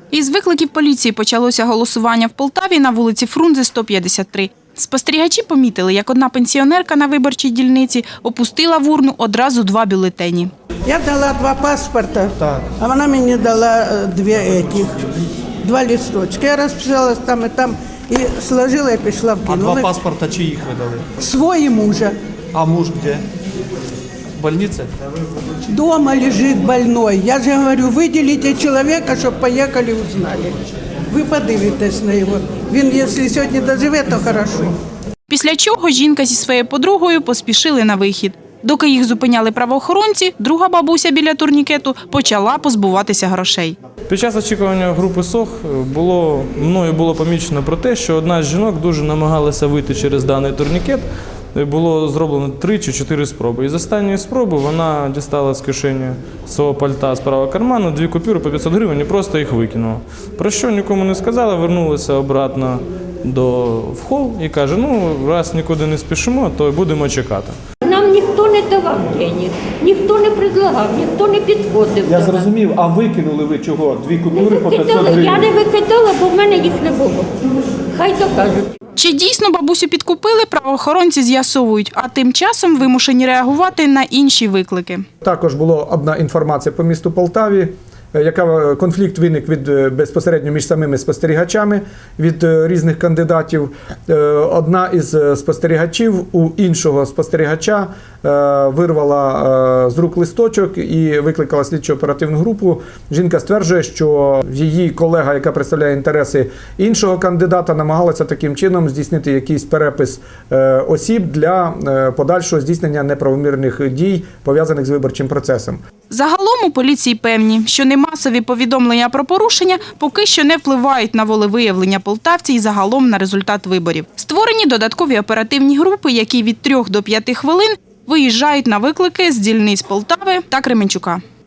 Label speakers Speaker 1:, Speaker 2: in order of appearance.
Speaker 1: Із викликів поліції почалося голосування в Полтаві на вулиці Фрунзе, 153. Спостерігачі помітили, як одна пенсіонерка на виборчій дільниці опустила в урну одразу 2 бюлетені.
Speaker 2: Я дала 2 паспорта, а вона мені дала 2 листочки. Я розписалась там і сложила і пішла в кіно.
Speaker 3: А 2 паспорта чиїх ви дали?
Speaker 2: Свої мужа.
Speaker 3: А муж де? В больнице?
Speaker 2: Дома лежит больной. Я же говорю, виділіть чоловіка, щоб поїхали, узнали. Ви подивитесь на його. Він, якщо сьогодні доживе, то хорошо.
Speaker 1: Після чого жінка зі своєю подругою поспішили на вихід. Доки їх зупиняли правоохоронці, друга бабуся біля турнікету почала позбуватися грошей.
Speaker 4: Під час очікування групи СОХ мною було помічено про те, що одна з жінок дуже намагалася вийти через даний турнікет. Було зроблено 3 чи 4 спроби. І з останньої спроби вона дістала з кишені свого пальта з правого карману 2 купюри по 500 гривень і просто їх викинула. Про що нікому не сказала, вернулася обратно в хол і каже, раз нікуди не спішимо, то будемо чекати.
Speaker 5: Нам ніхто не давав денег, ніхто не предлагав, ніхто не підходив.
Speaker 3: Я зрозумів, а викинули ви чого? 2 купюри по 500 гривень?
Speaker 5: Я не викидала, бо в мене їх не було. Хай докажуть.
Speaker 1: Чи дійсно бабусю підкупили, правоохоронці з'ясовують, а тим часом вимушені реагувати на інші виклики.
Speaker 6: Також була одна інформація по місту Полтаві, конфлікт виник безпосередньо між самими спостерігачами від різних кандидатів. Одна із спостерігачів у іншого спостерігача вирвала з рук листочок і викликала слідчо-оперативну групу. Жінка стверджує, що її колега, яка представляє інтереси іншого кандидата, намагалася таким чином здійснити якийсь перепис осіб для подальшого здійснення неправомірних дій, пов'язаних з виборчим процесом.
Speaker 1: Загалом у поліції певні, що немасові повідомлення про порушення поки що не впливають на волевиявлення полтавців і загалом на результат виборів. Створені додаткові оперативні групи, які від 3 до 5 хвилин виїжджають на виклики з дільниць Полтави та Кременчука.